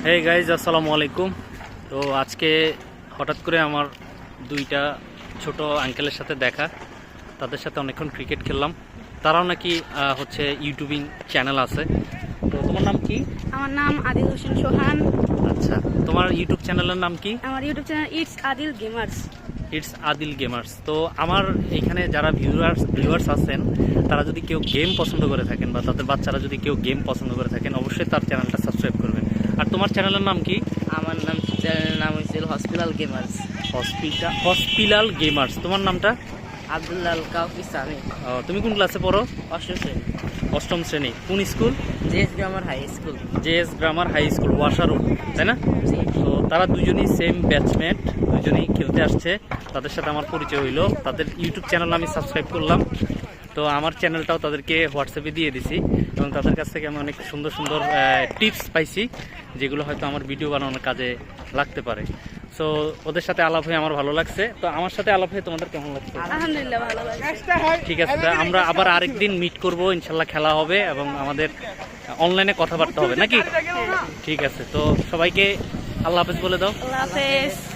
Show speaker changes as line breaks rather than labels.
Hey guys, আসসালামু আলাইকুম। তো আজকে হঠাৎ করে আমার দুইটা ছোট আঙ্কেলের সাথে দেখা, তাদের সাথে অনেকক্ষণ ক্রিকেট খেললাম। তারাও নাকি হচ্ছে ইউটিউবিং চ্যানেল আছে। তো তোমার নাম কি?
আমার নাম আদিল হোসেন সোহান।
আচ্ছা, তোমার ইউটিউব চ্যানেলের নাম কি?
আমার YouTube channel it's Adil gamers.
It's Adil gamers. তো আমার এখানে যারা ভিউয়ার্স আছেন, তারা যদি কেউ গেম পছন্দ করে থাকেন বা তাদের বাচ্চারা যদি কেউ গেম পছন্দ করে থাকেন, অবশ্যই তার চ্যানেলটা সাবস্ক্রাইব করবেন। আর তোমার চ্যানেলের নাম কি?
আমার চ্যানেলের নাম হয়েছিল হসপিটাল গেমার্স।
Hospital gamers. তোমার নামটা?
আব্দুল্লাহ কাউফি সামি।
তুমি কোন ক্লাসে পড়ো?
অষ্টম শ্রেণী,
অষ্টম শ্রেণী। কোন school?
JS grammar high school.
JS grammar high school, washroom, তাই না? তো তারা দুজনই সেম ব্যাচমেট, দুজনই খেলতে আসছে। তাদের সাথে আমার পরিচয় হইলো, তাদের ইউটিউব চ্যানেল আমি সাবস্ক্রাইব করলাম। তো আমার চ্যানেলটাও তাদেরকে হোয়াটসঅ্যাপে দিয়ে দিছি এবং তাদের কাছ থেকে আমি অনেক সুন্দর সুন্দর টিপস পাইছি, যেগুলো হয়তো আমার ভিডিও বানানোর কাজে লাগতে পারে। সো ওদের সাথে আলাপ হয়ে আমার ভালো লাগছে। তো আমার সাথে আলাপ হয়ে তোমাদের কেমন লাগছে?
আলহামদুলিল্লাহ ভালো লাগে।
ঠিক আছে, আমরা আবার আরেকদিন মিট করব, ইনশাল্লাহ খেলা হবে এবং আমাদের অনলাইনে কথাবার্তা হবে নাকি? ঠিক আছে, তো সবাইকে আল্লাহ হাফেজ বলে দাও।
আল্লাহ হাফেজ।